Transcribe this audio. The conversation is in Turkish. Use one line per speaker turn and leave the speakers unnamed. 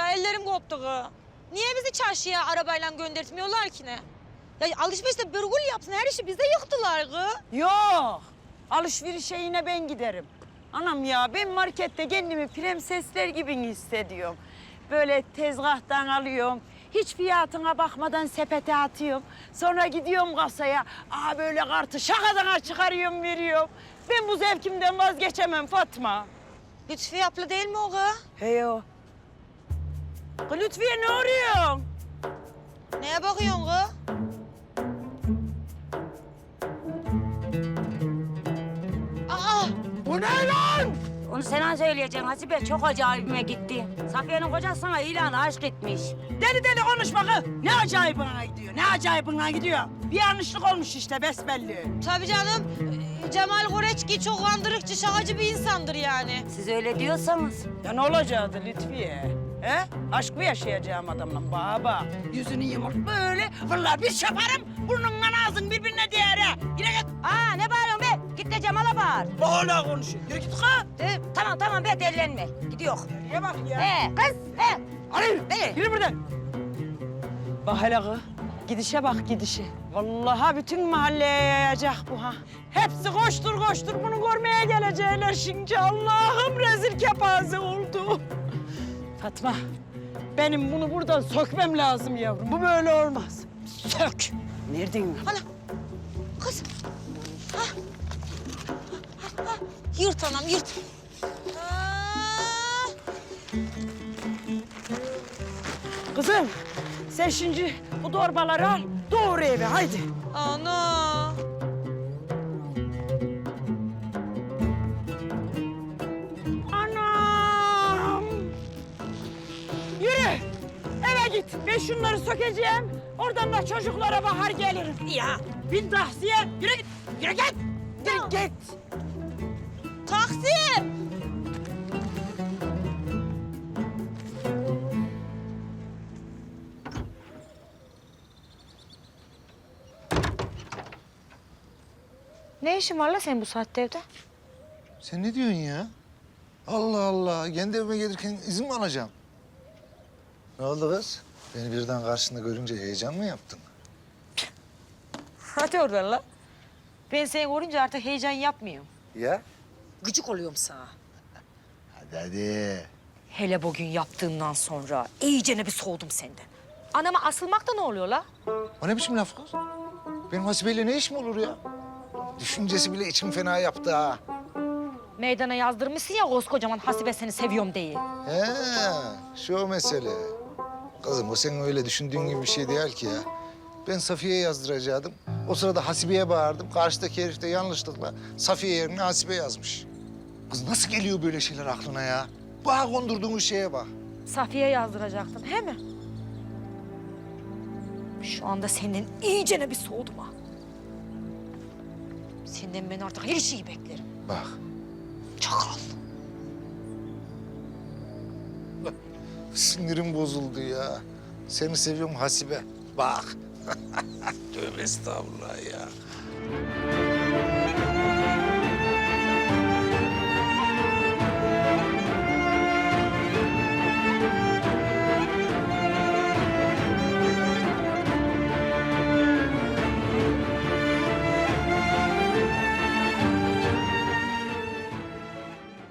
ellerim koptu kız. Niye bizi çarşıya arabayla göndertmiyorlar ki ne? Ya alışverişte bırgul yapsın, her işi bize yıktılar kız.
Yok. Alışverişe yine ben giderim. Anam ya ben markette kendimi prensesler gibi hissediyorum. Böyle tezgahtan alıyorum. Hiç fiyatına bakmadan sepete atıyorum. Sonra gidiyorum kasaya. Böyle kartı şakadan çıkarıyorum, veriyorum. Ben bu zevkimden vazgeçemem Fatma.
Lütfiye abla değil mi o kız?
Hey o. Kız Lütfiye ne arıyorsun?
Neye bakıyorsun kız? Aa!
Bu ne lan?
Onu sen söyleyeceksin Hasibe. Çok acayibime gitti. Safiye'nin kocası sana ilanı aşk etmiş.
Deli deli konuşma kız. Ne acayibine gidiyor, ne acayibine gidiyor. Bir yanlışlık olmuş işte besbelli.
Tabii canım. Cemal Koreçki çok kandırıkçı, şakacı bir insandır yani.
Siz öyle diyorsanız.
Ya ne olacaktı Lütfiye? He? Aşk mı yaşayacağım adamla baba? Yüzünü yumurt böyle, vallahi bir şaparım, burnunla ağzın birbirine değer ha. Yine git.
Ne bağırıyorsun be? Git de Cemal'a bağır.
Hala konuşuyor. Yürü git kız.
Tamam be delilenme. Gidiyor.
Niye bak ya?
Kız.
Hayır,
Ne?
yürü buradan. Bak hele kız, gidişe bak gidişe. Vallahi bütün mahalleye yayacak bu ha. Hepsi koştur koştur bunu görmeye gelecekler şimdi. Allah'ım rezil kepaze oldu. Fatma, benim bunu buradan sökmem lazım yavrum. Bu böyle olmaz. Sök. Nereden?
Ana! Kız! Yırt anam, yırt.
Kızım, sen şimdi bu torbaları al, doğru eve haydi.
Ana!
Anam! Yürü, eve git. Ben şunları sökeceğim. Oradan da çocuklara bakar gelirim. Ya, bin tahsiye. Yürü git, yürü git. Yürü git.
Taksim! Ne işin var la senin bu saatte evde?
Sen ne diyorsun ya? Allah Allah. Kendi evime gelirken izin mi alacağım? Ne oldu kız? Beni birden karşında görünce heyecan mı yaptın?
Hadi oradan la. Ben seni görünce artık heyecan yapmıyorum.
Ya?
Gıcık oluyorum sana.
Hadi.
Hele bugün yaptığından sonra iyicene bir soğudum senden. Anama asılmak da ne oluyor la?
O ne biçim laf kız? Benim Hasibe'yle ne işim olur ya? Düşüncesi bile içim fena yaptı ha.
Meydana yazdırmışsın ya koskocaman Hasibe seni seviyorum diye.
He, şu o mesele. Kızım o senin öyle düşündüğün gibi bir şey değil ki ya. Ben Safiye'ye yazdıracaktım. O sırada Hasibe'ye bağırdım. Karşıdaki herif de yanlışlıkla Safiye yerine Hasibe yazmış. Kız nasıl geliyor böyle şeyler aklına ya? Bana kondurduğun şeye bak.
Safiye yazdıracaktın, he mi? Şu anda senden iyicene bir soğudum ha. Senden ben artık her şeyi beklerim.
Bak.
Çakal.
Sinirim bozuldu ya. Seni seviyorum Hasibe. Bak. Tövbe estağfurullah ya.